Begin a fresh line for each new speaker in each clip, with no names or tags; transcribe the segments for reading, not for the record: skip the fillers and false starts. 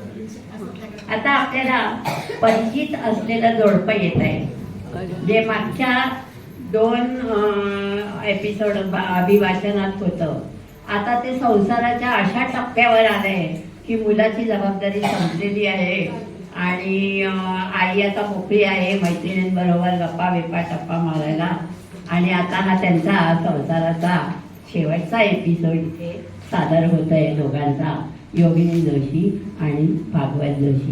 आता आपल्याला परिचित असलेलं जोडपं येत आहे, जे मागच्या 2 एपिसोड अभिवाचनात होतं. आता ते संसाराच्या अशा टप्प्यावर आलंय की मुलाची जबाबदारी संपलेली आहे आणि आई आता मोकळी आहे मैत्रिणींबरोबर गप्पा बिप्पा टप्पा मारायला. आणि आता हा त्यांचा संसाराचा शेवटचा एपिसोड इथे सादर होत आहे दोघांचा, योगिनी जोशी आणि भागवत जोशी.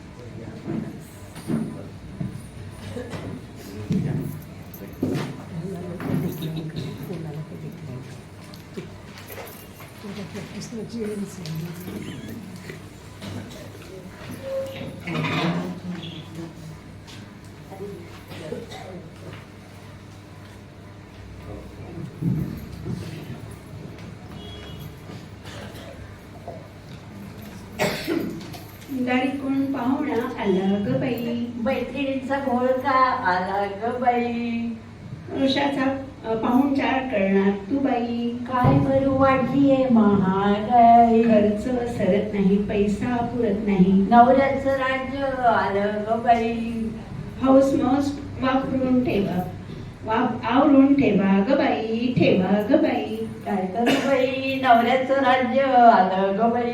गाडी कोण पाहुणा आला ग बाई,
मैत्रिणींचा घोळ का आला ग बाई,
वृषाचा पाहुणचार करणार तू बाई.
काय बरं वाढलीये महागाई,
खर्च सरत नाही, पैसा पुरत नाही,
नवऱ्याचं राज्य आलं ग बाई.
हौस मौस वापरून ठेवा, आवरून ठेवा ग बाई, ठेवा ग बाई.
काय करू बाई, नवऱ्याचं राज्य आलं ग बाई.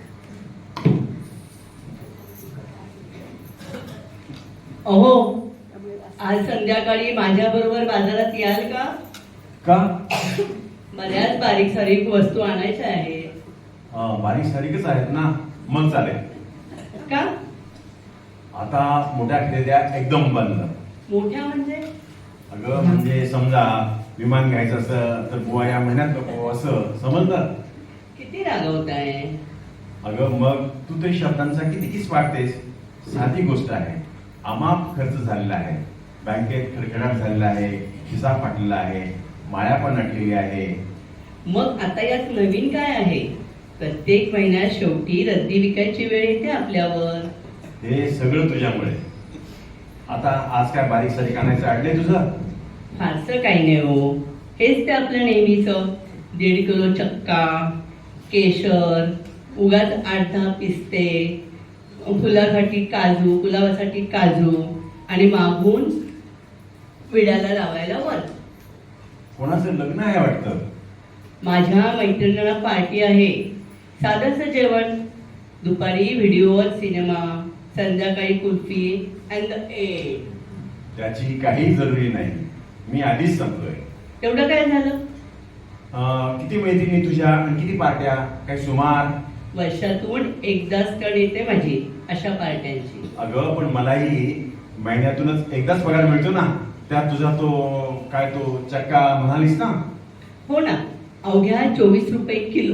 अहो, आज संध्याकाळी माझ्या बरोबर बाजारात याल का?
का?
बऱ्याच बारीक सारीक वस्तू आणायच्या आहेत.
बारीक सारीकच आहेत ना, मग चालेल.
का?
आता मोठ्या खरेद्या एकदम बंद.
मोठ्या म्हणजे?
अगं म्हणजे समजा विमान घ्यायचं असं तर बुवा या महिन्यात नको असं समजलं.
किती रागवताय?
अगं मग तू तरी शब्दांचा कितीच वाटतेस. साधी गोष्ट आहे, अमाप खर्च झालेला आहे, बँकेत खडखडाट झालेला आहे, खिसा फाटलेला आहे, माया पण अटलेली आहे.
मग आता यात नवीन काय आहे? प्रत्येक महिन्यात शेवटी रद्दी विकायची वेळ येते आपल्यावर.
हे सगळं तुझ्यामुळे. आता आज काय बारीक सारीक आणायचं अडले तुझं?
फारसं काही नाही हो, हेच ते आपलं नेहमीच 1.5 किलो चक्का, केशर, उगाच 8-10 पिस्ते, फुलासाठी काजू, गुलाबासाठी काजू आणि मागून विड्याला लावायला वर.
कोणाचं लग्न आहे वाटतं?
माझ्या मैत्रिणीला पार्टी आहे, साधंसं जेवण, दुपारी व्हिडिओवर सिनेमा, संध्याकाळी कुल्फी अँड एट.
त्याची काही जरुरी नाही, मी आधीच सांगतोय.
तेवढं काय झालं?
किती मैत्रिणी तुझ्या आणि किती पार्ट्या, काही सुमार?
वर्षातून एकदाच टर्न येते माझी अशा पार्ट्यांची.
अगं पण मलाही महिन्यातूनच एकदाच पगार मिळतो ना, त्यात तुझा तो काय तो चक्का म्हणालीस ना.
हो ना, अवघ्या 24 रुपये किलो.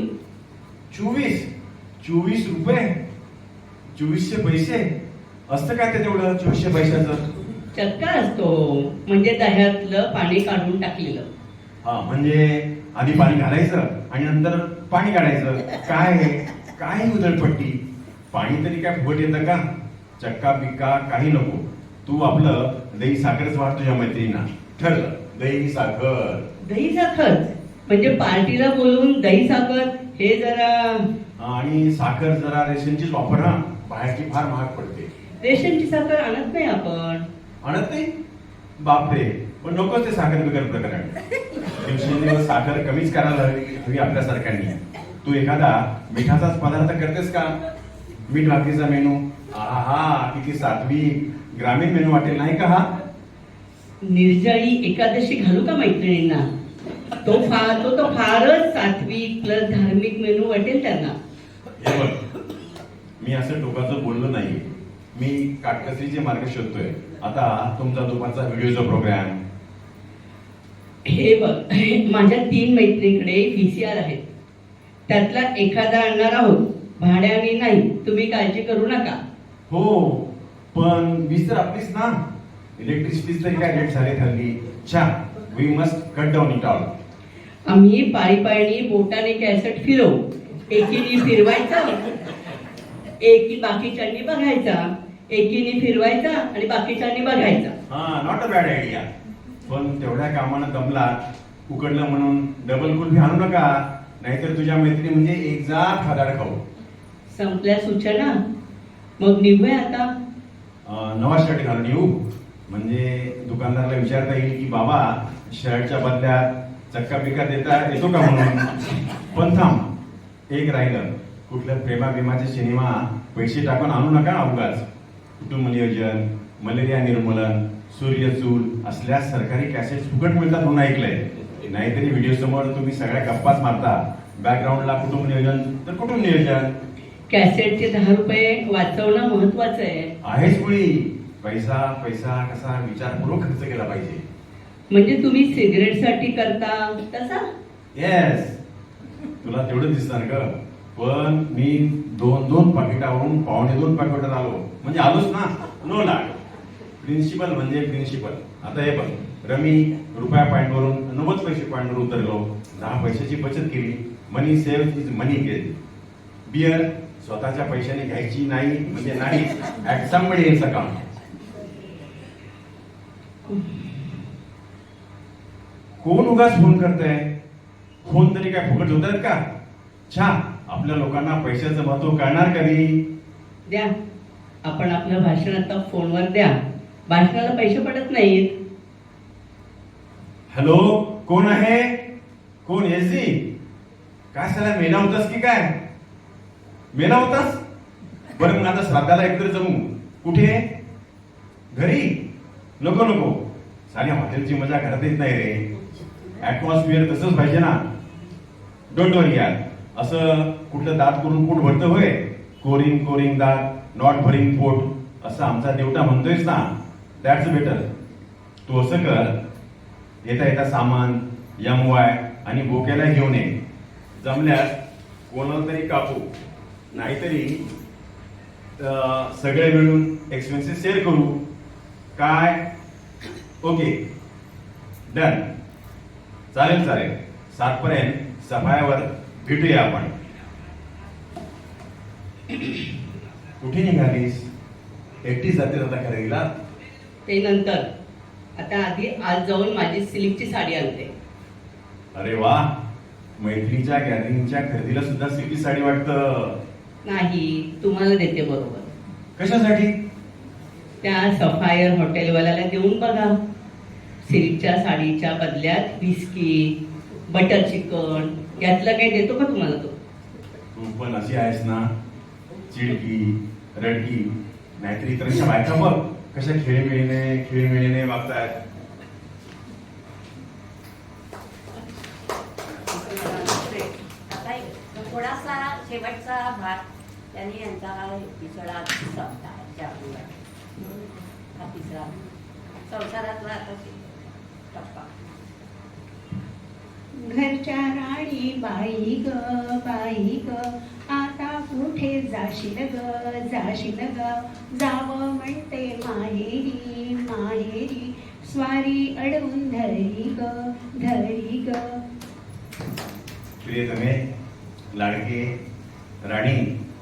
24 रुपये? 2400 पैसे असतं काय ते तेवढं 2400 पैशाचं?
चक्का असतो म्हणजे दह्यातलं पाणी काढून टाकलेलं.
हा म्हणजे आधी पाणी घालायचं आणि नंतर पाणी काढायचं. काय उधळपट्टी. पाणी तरी काय फुकट येतं का? चक्का बिक्का काही नको, तू आपलं दही साखरच वाढ तुझ्या मैत्रिणींना. ठरलं, दही साखर.
दही साखर म्हणजे पार्टीला बोलून दही साखर, हे जरा.
आणि साखर जरा रेशनचीच वापर हा, बाहेरची फार महाग पडते.
रेशनची साखर आणत नाही आपण.
आणत नाही? बापरे, पण नकोच ते साखर बिगर प्रकरण. दिवसेंदिवस साखर कमीच करायला हवी आपल्यासारख्यांनी. तू एखादा मिठाचाच पदार्थ करतेस का? मीठ भाकरीचा मेनू, आहा किती सात्विक ग्रामीण मेनू वाटेल नाही का हा?
निर्जळी एकादशी घालू का मैत्रिणींना? तो फारच सात्विक प्लस धार्मिक मेनू वाटेल त्यांना.
हे बघ, मी असं टोकाचं बोललो नाही, मी काटकसरीचे मार्ग शोधतोय. आता तुमचा दुपारचा व्हिडिओचा प्रोग्राम.
हे बघ, माझ्या 3 मैत्रिणीकडे VCR आहेत, त्यातला एखादा आणणार आहोत, भाड्याने नाही, तुम्ही काळजी करू नका.
हो, पण वीज तर आपलीच ना. इलेक्ट्रिसिटी तरी काय रेट झाले हल्ली. We must cut down it all.
आम्ही पायी बोटाने कॅसेट फिरवू, एकीने फिरवायचा, बाकीच्यांनी बघायचा, एकीने फिरवायचा आणि बाकीच्यांनी बघायचा.
हा, नॉट अ बॅड आयडिया. पण तेवढ्या कामानं दमला, उकडलं म्हणून डबल कुल्फी आणू नका, नाहीतर तुझ्या मैत्रिणी म्हणजे एक जात खादाड खाऊ.
संपल्या सूचना. मग निघूया आता.
नवा शर्ट घालून येऊ म्हणजे दुकानदाराला विचारता येईल की बाबा शर्टच्या बदल्यात चक्का पिका देता येतो का म्हणून. पण थांब, एक राहिलं, कुठल्या प्रेमाभिमाचे सिनेमा पैसे टाकून आणू नका अवघाच. कुटुंब नियोजन, मलेरिया निर्मूलन, सूर्यचूल असल्या सरकारी कॅसेट फुकट मिळतात म्हणून ऐकलंय. नाहीतरी व्हिडिओ समोर तुम्ही सगळ्या गप्पाच मारता, बॅकग्राऊंडला कुटुंब नियोजन तर कुटुंब नियोजन.
कॅसेटचे 10 रुपये वाचवणं महत्वाचं आहे.
आहेच मुळी, पैसा पैसा कसा विचारपूर्वक खर्च केला पाहिजे.
म्हणजे तुम्ही सिगरेटसाठी करता तसा.
येस, तुला तेवढं दिसणार ग, पण मी 2-2 पाकिटावरून 2.25 पाकिटावर आलो म्हणजे आलोच ना. नो लाग, प्रिन्सिपल म्हणजे प्रिन्सिपल. आता हे बघ, रमी रुपया पॉईंटवरून 90 पैसे पॉईंटवर उतरलो, 10 पैशाची बचत केली. Money save is money gain. Beer स्वतःच्या पैशाने घ्यायची नाही म्हणजे नाही, ऍट समबडी एल्स अकाउंट. कोण उगाच फोन करतंय? फोन तरी काय फुकट होत आहेत का? छा, आपल्या लोकांना पैशाचं महत्व कळणार कधी?
द्या, आपण आपलं भाषण आता फोनवर द्या. भाषणाला पैसे पडत नाहीत.
हॅलो, कोण आहे? कोण एसी? काय साला मेला होतास की काय? मेला होतास? बरं, मग आता श्राद्धाला एकत्र जमू. कुठे? घरी? नको नको, साऱ्या हॉटेलची मजा घरात येत नाही रे. ऍटमॉस्फिअर तसंच पाहिजे ना. डोंट वरी यार, असं कुठलं दात करून पोट भरतं होय? कोरिंग कोरिंग दात, नॉट भरिंग पोट, असं आमचा देवटा म्हणतोयस ना. That's better. तू असं कर, येता येता सामान, MY आणि बोक्याला घेऊन ये. जमल्यास कोणाला तरी कापू, नाहीतरी सगळे मिळून एक्सपेन्सेस शेअर करू. काय? Okay, done. चालेल चालेल, 7 पर्यंत सफायावर भेटूया आपण. कुठे निघालीस? एकटी जाते आता खरेदीला?
ते नंतर. आता आधी आज जाऊन माझी सिल्कची साडी आणते.
अरे वा, मैत्रीच्या गॅदरिंगच्या खरेदीला सुद्धा सिल्की साडी वाटतं.
नाही, तुम्हाला देते बरोबर.
कशासाठी?
त्या सफायर हॉटेलवाल्याला देऊन बघा. सिल्कच्या साडीच्या बदल्यात बिस्किट, बटर चिकन यातलं काही देतो का तुम्हाला तो?
तू पण अशी आहेस ना, चिडकी रडकी. नाहीतरी इतरांच्या बायका बघ कशा खेळीमेळीने वागतायत.
थोडासा शेवटचा भाग त्यांनी यांचा एपिसोड संपला. हा तिसरा संसारातला आता टप्पा.
घरच्या राणी बाई ग बाई ग, आता कुठे जाशील ग जाशील ग, जावं म्हणते माहेरी माहेरी, स्वारी अडवून धरी ग.
प्रियतमे, लाडके, राणी,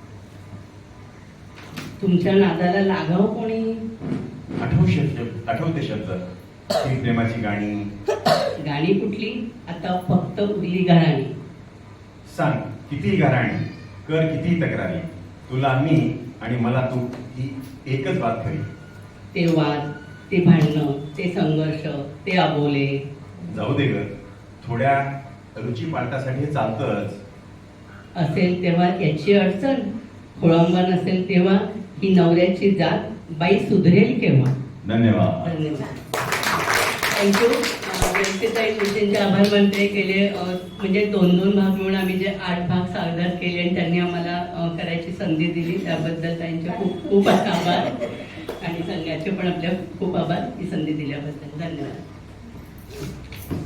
तुमच्या नादाला लागाव कोणी?
आठवते शब्द, ती प्रेमाची गाणी.
गाणी कुठली? आता फक्त उरली घराणी.
सांग किती घराणी, कर किती तक्रारी, तुला मी आणि मला तू ही एकच बात खरी.
ते वाद, ते भांडणं, ते संघर्ष, ते अबोले.
जाऊ दे ग, थोड्या रुची पालटासाठी चालतच.
असेल तेव्हा याची अडचण, खोळंबा नसेल तेव्हा ही नवऱ्याची जात, बाई सुधरेल केव्हा.
धन्यवाद.
धन्यवाद. थँक्यू. व्यवस्थिताई तुमचे आभार मानते केले. म्हणजे 2-2 भाग मिळून आम्ही जे 8 भाग सादर केले आणि त्यांनी आम्हाला करायची संधी दिली त्याबद्दल त्यांचे खूप खूप आभार. आणि संघाचे पण आपल्या खूप आभार ही संधी दिल्याबद्दल. धन्यवाद.